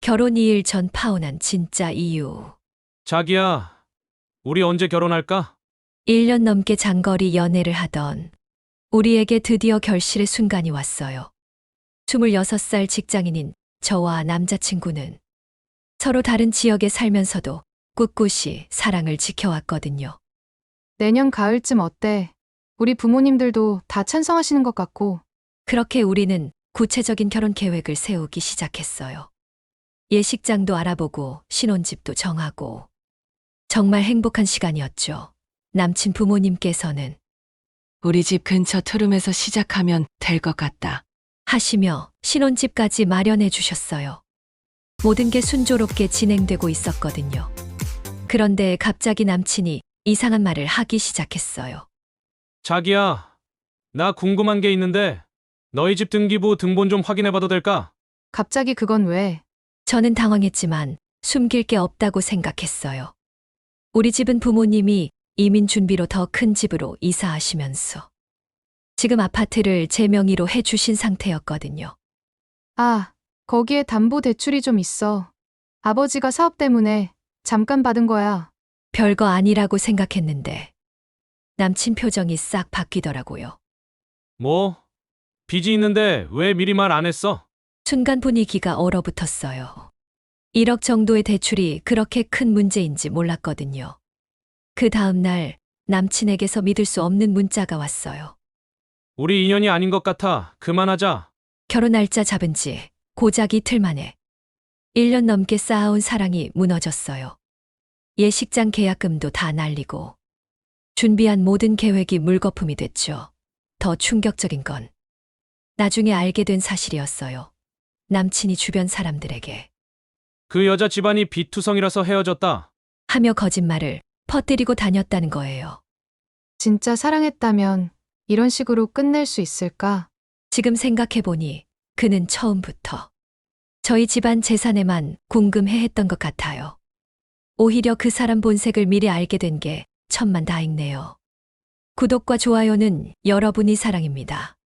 결혼 2일 전 파혼한 진짜 이유. 자기야, 우리 언제 결혼할까? 1년 넘게 장거리 연애를 하던 우리에게 드디어 결실의 순간이 왔어요. 26살 직장인인 저와 남자친구는 서로 다른 지역에 살면서도 꿋꿋이 사랑을 지켜왔거든요. 내년 가을쯤 어때? 우리 부모님들도 다 찬성하시는 것 같고. 그렇게 우리는 구체적인 결혼 계획을 세우기 시작했어요. 예식장도 알아보고 신혼집도 정하고 정말 행복한 시간이었죠. 남친 부모님께서는 우리 집 근처 트름에서 시작하면 될 것 같다. 하시며 신혼집까지 마련해 주셨어요. 모든 게 순조롭게 진행되고 있었거든요. 그런데 갑자기 남친이 이상한 말을 하기 시작했어요. 자기야, 나 궁금한 게 있는데 너희 집 등기부 등본 좀 확인해봐도 될까? 갑자기 그건 왜? 저는 당황했지만 숨길 게 없다고 생각했어요. 우리 집은 부모님이 이민 준비로 더 큰 집으로 이사하시면서 지금 아파트를 제 명의로 해주신 상태였거든요. 아, 거기에 담보 대출이 좀 있어. 아버지가 사업 때문에 잠깐 받은 거야. 별거 아니라고 생각했는데 남친 표정이 싹 바뀌더라고요. 뭐? 빚이 있는데 왜 미리 말 안 했어? 순간 분위기가 얼어붙었어요. 1억 정도의 대출이 그렇게 큰 문제인지 몰랐거든요. 그 다음 날 남친에게서 믿을 수 없는 문자가 왔어요. 우리 인연이 아닌 것 같아. 그만하자. 결혼 날짜 잡은 지 고작 이틀 만에 1년 넘게 쌓아온 사랑이 무너졌어요. 예식장 계약금도 다 날리고 준비한 모든 계획이 물거품이 됐죠. 더 충격적인 건 나중에 알게 된 사실이었어요. 남친이 주변 사람들에게 그 여자 집안이 비투성이라서 헤어졌다. 하며 거짓말을 퍼뜨리고 다녔다는 거예요. 진짜 사랑했다면 이런 식으로 끝낼 수 있을까? 지금 생각해보니 그는 처음부터 저희 집안 재산에만 궁금해했던 것 같아요. 오히려 그 사람 본색을 미리 알게 된 게 천만다행네요. 구독과 좋아요는 여러분이 사랑입니다.